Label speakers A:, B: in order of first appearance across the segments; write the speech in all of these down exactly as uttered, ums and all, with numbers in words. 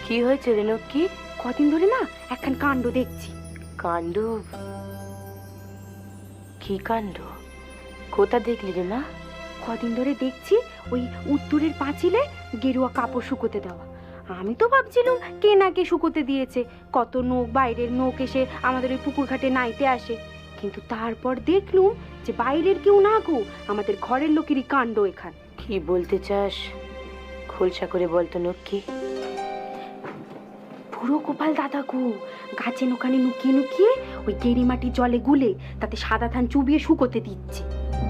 A: কি হয়েছে রে নক্কি?
B: কদিন ধরে না একখান কাণ্ড দেখছি।
A: কাণ্ড? কি কাণ্ড? কোথা দেখলি রে মা?
B: কদিন ধরে দেখছি ওই উত্তরের পাঁচিলে গেরুয়া কাপড় শুকোতে দেওয়া। আমি তো ভাবছিলাম কে না কে শুকোতে দিয়েছে, কত নোক বাইরের নোক এসে আমাদের ওই পুকুর ঘাটে নাইতে আসে। কিন্তু তারপর দেখলুম যে বাইরের কেউ না গো, আমাদের ঘরের লোকেরই কাণ্ড এখান।
A: কি বলতে চাস খোলসা করে বলতো নক্কি।
B: পুরো গোপাল দাদা গো, গাছে নোকানে নুকিয়ে নুকিয়ে ওই গেরি মাটি জলে গুলে তাতে সাদা ধান চুবিয়ে শুকোতে দিচ্ছে।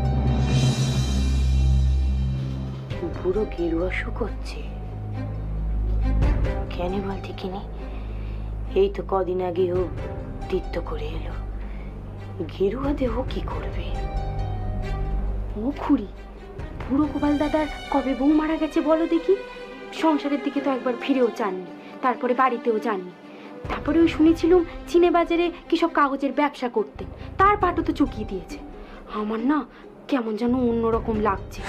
A: বুড়ো গেরুয়া শুকোচ্ছে কেন বলতে কিনি? এই তো কদিন আগে ও তীর্থ করে এলো, গেরুয়া দেহ কি করবে?
B: ও খুড়ি, বুড়ো গোপাল দাদার কবে বউ মারা গেছে বলো দেখি? সংসারের দিকে তো একবার ফিরেও চাননি, তারপরে বাড়িতেও যাননি। তারপরে ওই শুনেছিলুম চিনে বাজারে কি সব কাগজের ব্যবসা করতে, তার পাটও তো চুকিয়ে দিয়েছে। আমার না কেমন যেন অন্যরকম লাগছে।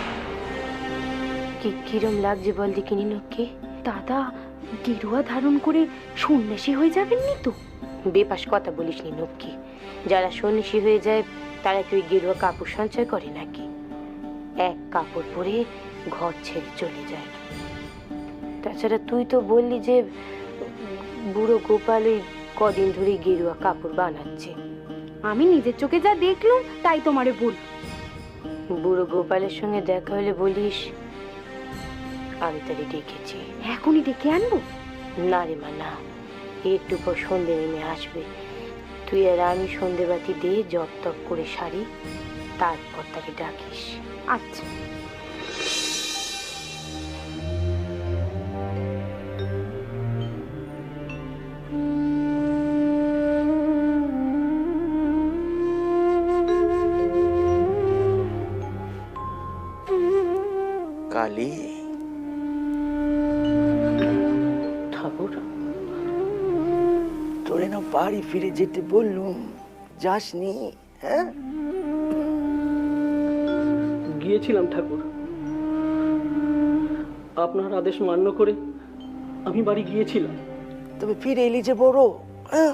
A: কি কিরম লাগছে বল দেখিনি নক্কি?
B: দাদা গেরুয়া ধারণ করে সন্ন্যাসী হয়ে যাবেননি তো?
A: বেপাস কথা বলিস নি নক্কি। যারা সন্ন্যাসী হয়ে যায় তারা কি ওই গেরুয়া কাপড় সঞ্চয় করে নাকি? এক কাপড় পরে ঘর ছেড়ে চলে যায়। তাছাড়া তুই তো বললি যে বুড়ো গোপাল ওই কদিন ধরে গেরুয়া কাপড় বানাচ্ছে।
B: আমি নিজের চোখে যা দেখলুম তাই তোমারে বল।
A: বুড়ো গোপালের সঙ্গে দেখা হলে বলিস আমি তারে ডেকেছি।
B: এখনই ডেকে আনবো?
A: না রে মা না, একটু পর সন্ধে নেমে আসবে। তুই আর আমি সন্ধেবাতি দিয়ে জপ তপ করে সারি, তারপর তাকে ডাকিস।
B: আচ্ছা।
C: কালী,
A: ঠাকুর,
C: তোরে না বাড়ি ফিরে যেতে বললুম, যাসনি? হ্যাঁ,
D: গিয়েছিলাম ঠাকুর, আপনার আদেশ মান্য করে আমি বাড়ি গিয়েছিলাম।
C: তবে ফিরে এলি যে বড়। হ্যাঁ,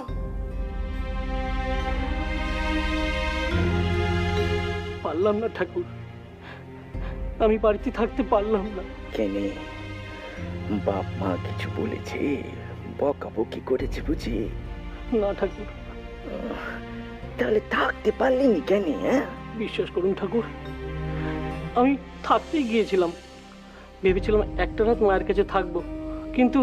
D: পারলাম না ঠাকুর, আমি বাড়িতে থাকতে পারলাম না।
C: কেনে বাপ মা কিছু বলেছে, বকাবকি করেছে বুঝি?
D: না ঠাকুর।
C: তাহলে থাকতে পারলিনি কেন? হ্যাঁ,
D: বিশ্বাস করুন ঠাকুর, আমি থাকতেই গিয়েছিলাম, ভেবেছিলাম একটা রাত মায়ের কাছে থাকবো, কিন্তু